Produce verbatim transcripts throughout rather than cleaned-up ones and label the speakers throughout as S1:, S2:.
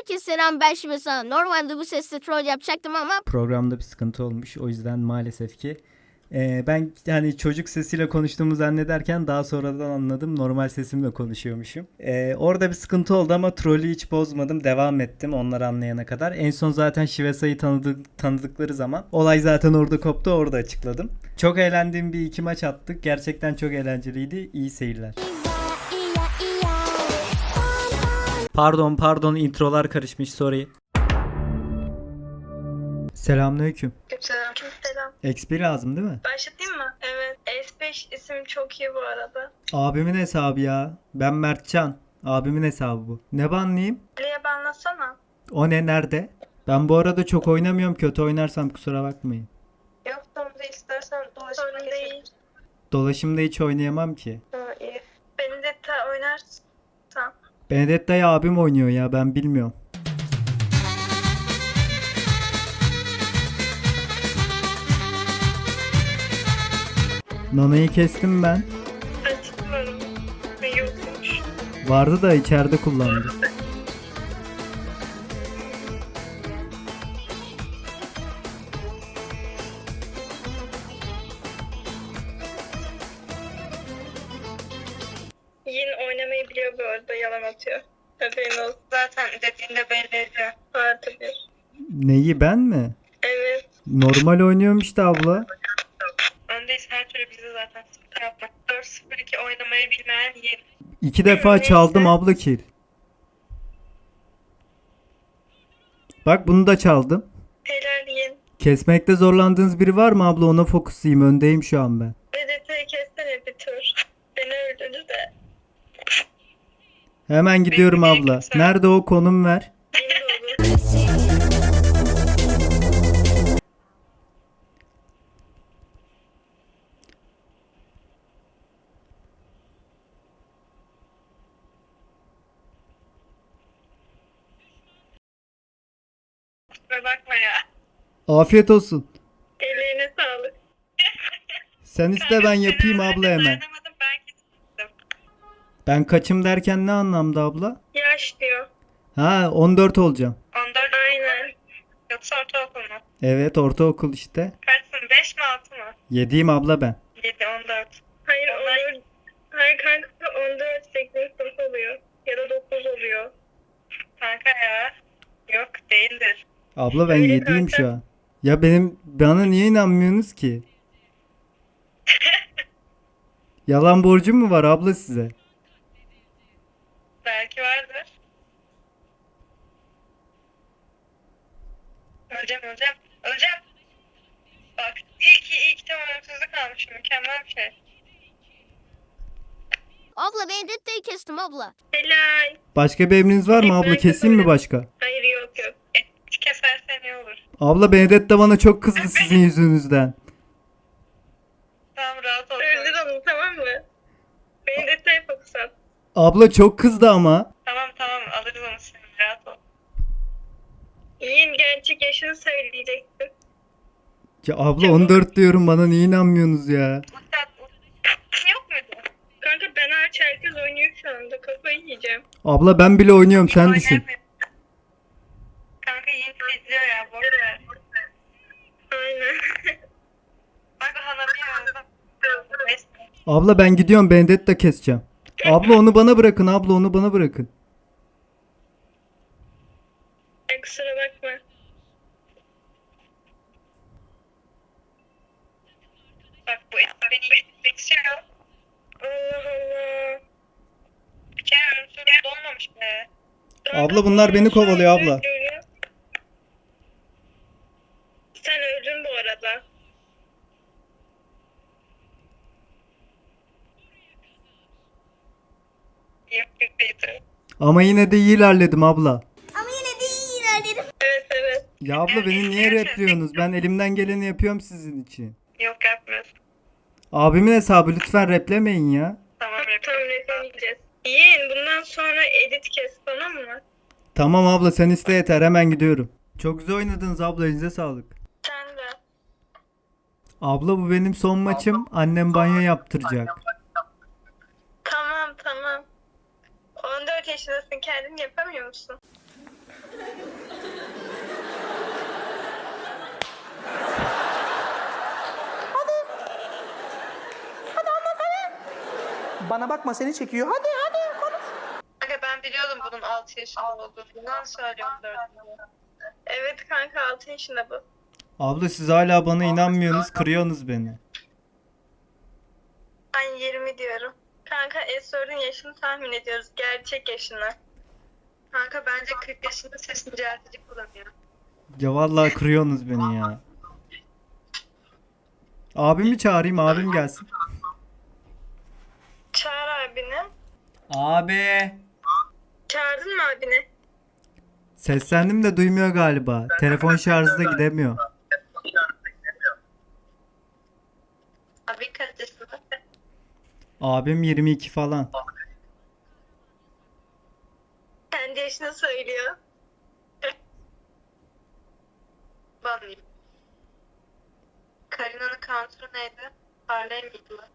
S1: Herkese selam, ben şimdi sana normalde bu sesle troll yapacaktım ama
S2: Programda bir sıkıntı olmuş. O yüzden maalesef ki e, ben hani çocuk sesiyle konuştuğumu zannederken daha sonradan anladım. Normal sesimle konuşuyormuşum. E, orada bir sıkıntı oldu ama trolü hiç bozmadım. Devam ettim onları anlayana kadar. En son zaten Şivesa'yı tanıdık, tanıdıkları zaman olay zaten orada koptu. Orada açıkladım. Çok eğlendiğim bir iki maç attık. Gerçekten çok eğlenceliydi. İyi seyirler. Pardon pardon introlar karışmış, sorry. Selamünaleyküm.
S3: Selam. Selam.
S2: X P lazım değil mi?
S3: Başlatayım mı? Evet. S beş isim çok iyi bu arada.
S2: Abimin hesabı ya. Ben Mertcan. Abimin hesabı bu. Ne banlayayım?
S3: Ali'ye banlasana.
S2: O ne, nerede? Ben bu arada çok oynamıyorum. Kötü oynarsam kusura bakmayın.
S3: Yok da istersen dolaşımda değil.
S2: Dolaşımda hiç oynayamam ki.
S3: Ha, iyi. Benedetta oynarsın.
S2: Benedetta'yı abim oynuyor ya, ben bilmiyorum. Nana'yı kestim ben.
S3: Açıklarım. Ve yokmuş.
S2: Vardı da içeride kullandı.
S3: Yin oynamayı biliyor bu arada. Yalan atıyor. Haberin olsun. Zaten dediğinde belli ediyor. Vardı bir.
S2: Neyi, ben mi?
S3: Evet.
S2: Normal oynuyorum işte abla.
S3: Öndeyiz, her türlü bizi zaten sıkıntı yapmak. dört sıfır iki oynamayı bilmeyen Yin.
S2: İki defa çaldım abla kill. Bak bunu da çaldım.
S3: Helal Yin.
S2: Kesmekte zorlandığınız biri var mı abla? Ona fokuslayayım. Öndeyim şu an ben.
S3: Benedetta'yı kessene bir tur. Beni öldürdü de.
S2: Hemen gidiyorum abla. Nerede o, konum ver.
S3: Yin de olur. Kusura bakma ya.
S2: Afiyet olsun.
S3: Ellerine sağlık.
S2: Sen iste, ben yapayım abla hemen.
S3: Dayanamadım, ben gittim.
S2: Ben kaçım derken ne anlamda abla?
S3: Yaş diyor.
S2: Ha, on dört olacağım.
S3: on dört aynen. Yoksa ortaokul mu?
S2: Evet, ortaokul işte.
S3: Kaçsın? beş mi altı mı?
S2: Yediyim abla ben.
S3: yedi on dört. Hayır on dört. Hayır kanka on dört sekizinci sınıf oluyor. Ya da dokuz oluyor. Kanka ya. Yok değildir.
S2: Abla ben
S3: Öyle
S2: yediyim
S3: kanka.
S2: şu an. Ya benim, bana niye inanmıyorsunuz ki? Yalan borcum mu var abla size?
S3: Belki vardır. Öleceğim öleceğim. Öleceğim. Bak iyi ki iyi ki tam ölümsüzlük almışım. Mükemmel bir şey.
S1: abla Benedetta'yı kestim abla.
S3: Helal.
S2: Başka bir emriniz var mı abla? Keseyim mi başka?
S3: Hayır yok yok. Et kesersen iyi olur.
S2: Abla Benedetta bana çok kızdı sizin yüzünüzden.
S3: Tamam rahat ol. Öldür onu tamam mı? Beni de teyp okusan.
S2: Abla çok kızdı ama.
S3: Tamam tamam alırız onu şimdi rahat ol. İyiyim gerçek yaşını söyleyecektin.
S2: Ya abla on dört diyorum, bana niye inanmıyorsunuz ya?
S3: Muhtemelen yok muydu? Kanka ben hariç herkes oynuyor şu anda. Kafayı yiyeceğim.
S2: Abla ben bile oynuyorum, sen düşün.
S3: Kanka iyi izliyor ya. Boş ver. Aynen. Bak Hanabi'yi öldüm.
S2: Abla ben gidiyorum, Benedetta keseceğim. Abla onu bana bırakın, abla onu bana bırakın.
S3: Ay, kusura bakma. Bak bu et beni geçiyor. Allah Allah. Bir kere ölümsüzlük dolmamış be.
S2: Abla bunlar beni kovalıyor abla.
S3: Sen öldün bu arada. Yok yok.
S2: Ama yine de iyi ilerledim abla.
S3: Evet evet.
S2: Ya abla beni niye repliyorsunuz? Ben elimden geleni yapıyorum sizin için.
S3: Yok yapmıyorsun.
S2: Abimin hesabı, lütfen replemeyin ya.
S3: Tamam tamam replemeyeceğiz. Yiyin bundan sonra edit kes tamam mı?
S2: Tamam abla, sen iste yeter, hemen gidiyorum. Çok güzel oynadınız abla, elinize sağlık.
S3: Sen de.
S2: Abla bu benim son maçım. Annem banyo yaptıracak.
S3: Tamam tamam. on dört yaşındasın kendin yapamıyor musun?
S4: Bana bakma seni çekiyor. Hadi hadi konuş.
S3: Kanka ben biliyordum bunun altı yaşında olduğunu. Bundan söylüyorum dördüncü. Evet kanka altı yaşında bu.
S2: Abla siz hala bana inanmıyorsunuz, kırıyorsunuz beni.
S3: Ben yirmi diyorum. Kanka Esrar'ın yaşını tahmin ediyoruz. Gerçek yaşını. Kanka bence kırk yaşında sesini düzeltici kullanıyor.
S2: Ya vallahi kırıyorsunuz beni ya. Abimi çağırayım, abim gelsin.
S3: Çağır abini.
S2: Abi.
S3: Çağırdın mı abini?
S2: Seslendim de duymuyor galiba. Telefon şarjda gidemiyor.
S3: Abi kaç yaşında?
S2: Abim yirmi iki falan.
S3: Kendi yaşını söylüyor. Banlayayım. Karina'nın counter'ı neydi? Harley miydi lan?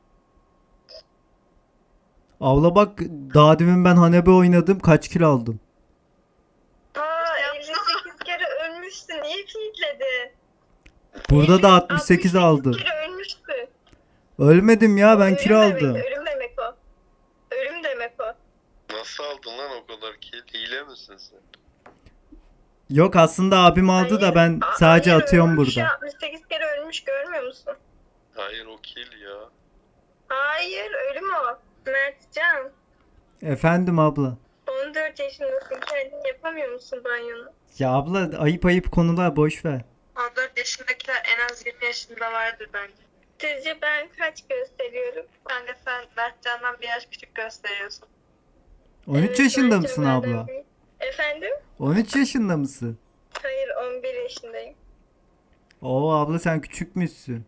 S2: Abla bak, daha demin ben Hanabi oynadım, kaç kilo aldım.
S3: Aa elli sekiz kere ölmüşsün. Niye kilitledin?
S2: Burada da altmış sekiz aldım.
S3: kere ölmüşsün.
S2: Ölmedim ya, ben
S3: Ölüm
S2: kilo
S3: demek,
S2: aldım.
S3: Ölüm demek o. Ölüm demek o.
S5: Nasıl aldın lan o kadar kill? Hile misin sen?
S2: Yok, aslında abim aldı da
S3: Hayır,
S2: ben
S3: a-
S2: sadece
S3: hayır,
S2: atıyorum
S3: ölmüş ya,
S2: burada.
S3: altmış sekiz kere ölmüş görmüyor musun?
S5: Hayır o kill ya.
S3: Hayır ölüm o. Mertcan.
S2: Efendim abla.
S3: on dört yaşındasın. Kendin yapamıyor musun banyonu?
S2: Ya abla, ayıp ayıp konular, boş ver.
S3: on dört yaşındakiler en az yirmi yaşında vardır bence. Sizce ben kaç gösteriyorum? Kanka sen Mertcan'dan bir yaş küçük gösteriyorsun.
S2: on üç
S3: Evet,
S2: yaşında
S3: Mertcan
S2: mısın
S3: benden
S2: abla?
S3: büyük. Efendim?
S2: on üç yaşında mısın?
S3: Hayır on bir yaşındayım.
S2: Oo abla, sen küçükmüşsün.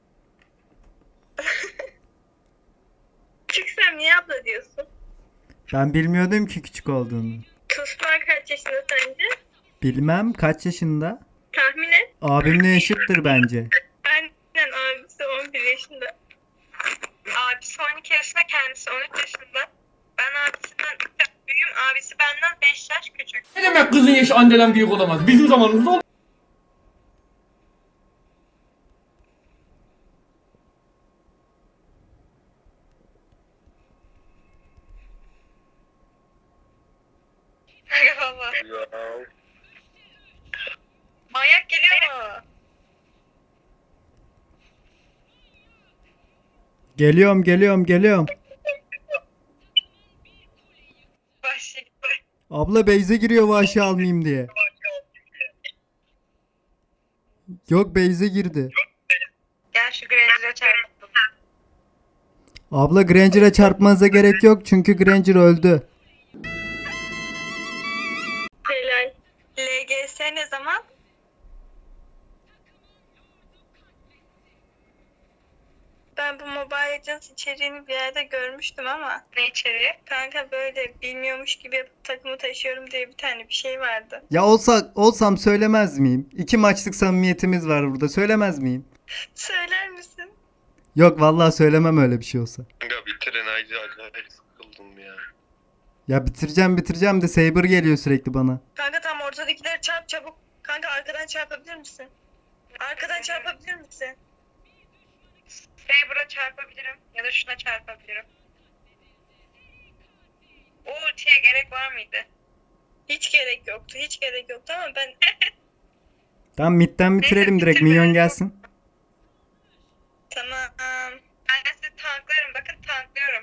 S3: Küçüksem niye abla diyorsun?
S2: Ben bilmiyordum ki küçük olduğunu.
S3: Tuzlar kaç yaşında sence?
S2: Bilmem kaç yaşında.
S3: Tahmin et.
S2: Abimle eşittir bence.
S3: Aynen abisi on bir yaşında. Abisi on iki yaşında, kendisi on üç yaşında. Ben abisinden üç yaş büyüğüm. Abisi benden beş yaş küçük.
S6: Ne demek kızın yaşı anneden büyük olamaz? Bizim zamanımızda oldu.
S3: Eyvallah.
S5: Ya
S3: Manyak geliyor mu?
S2: Geliyorum geliyorum geliyorum.
S3: Vahşi.
S2: Abla Beyze giriyor vahşi almayayım diye. Yok, Beyze girdi.
S3: Gel şu Granger'a çarpalım.
S2: Abla Granger'a çarpmanıza gerek yok çünkü Granger öldü.
S3: Helal. L G S ne zaman? Ben bu Mobile Legends içeriğini bir yerde görmüştüm ama. Ne içeriği? Kanka böyle bilmiyormuş gibi yapıp takımı taşıyorum diye bir tane bir şey vardı.
S2: Ya olsa olsam söylemez miyim? İki maçlık samimiyetimiz var burada, söylemez miyim?
S3: Söyler misin?
S2: Yok vallahi söylemem öyle bir şey olsa.
S5: kanka bitirin haydi acayip sıkıldım ya.
S2: Ya bitireceğim bitireceğim de Saber geliyor sürekli bana.
S3: Kanka tam ortadakileri çarp çabuk. Kanka arkadan çarpabilir misin? Arkadan çarpabilir misin? Saber'a çarpabilirim ya da şuna çarpabilirim. O ultiye gerek var mıydı? Hiç gerek yoktu. Hiç gerek yoktu ama ben...
S2: Tamam, midden bitirelim
S3: Neyse,
S2: direkt,
S3: bitirme.
S2: minyon gelsin.
S3: Tamam. Ben de sizi tanklarım. Bakın tanklıyorum.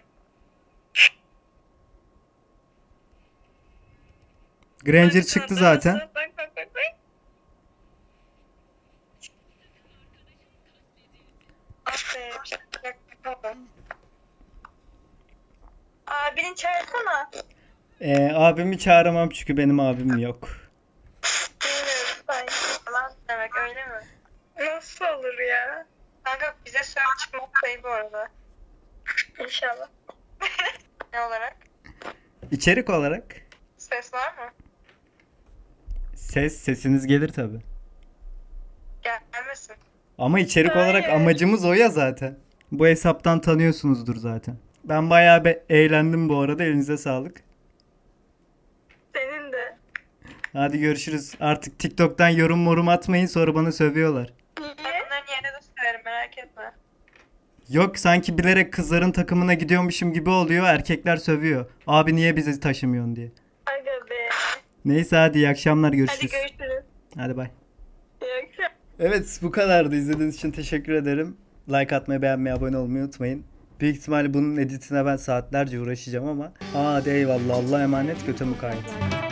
S2: Granger
S3: Kanka,
S2: çıktı
S3: tanklar
S2: zaten.
S3: nasıl? Bak bak bak bak. Aferin. Bak bak bak. Abini çağırsana.
S2: Ee, abimi çağıramam çünkü benim abim yok.
S3: Bilmiyorum sanki. Falan demek öyle mi? Nasıl olur ya? Kanka bize söyle çıkmak sayı bu arada. İnşallah. Ne olarak?
S2: İçerik olarak
S3: Ses var mı?
S2: ses sesiniz gelir tabi.
S3: Gelmesin.
S2: Ama içerik olarak
S3: Hayır.
S2: amacımız o ya zaten. Bu hesaptan tanıyorsunuzdur zaten. Ben bayağı be eğlendim bu arada, elinize sağlık.
S3: Senin de.
S2: Hadi görüşürüz. Artık TikTok'tan yorum morum atmayın, sonra bana sövüyorlar.
S3: Niye? Ben bunların yerine de söylerim merak etme.
S2: Yok sanki bilerek kızların takımına gidiyormuşum gibi oluyor. Erkekler sövüyor. Abi niye bizi taşımıyorsun diye.
S3: Aga be.
S2: Neyse hadi iyi akşamlar
S3: Hadi
S2: görüşürüz.
S3: görüşürüz.
S2: Hadi bay.
S3: İyi akşamlar.
S2: Evet bu kadardı. İzlediğiniz için teşekkür ederim. Like atmayı, beğenmeyi, abone olmayı unutmayın. Büyük ihtimalle bunun editine ben saatlerce uğraşacağım ama. Hadi eyvallah. Allah'a emanet. Götü mukayyet.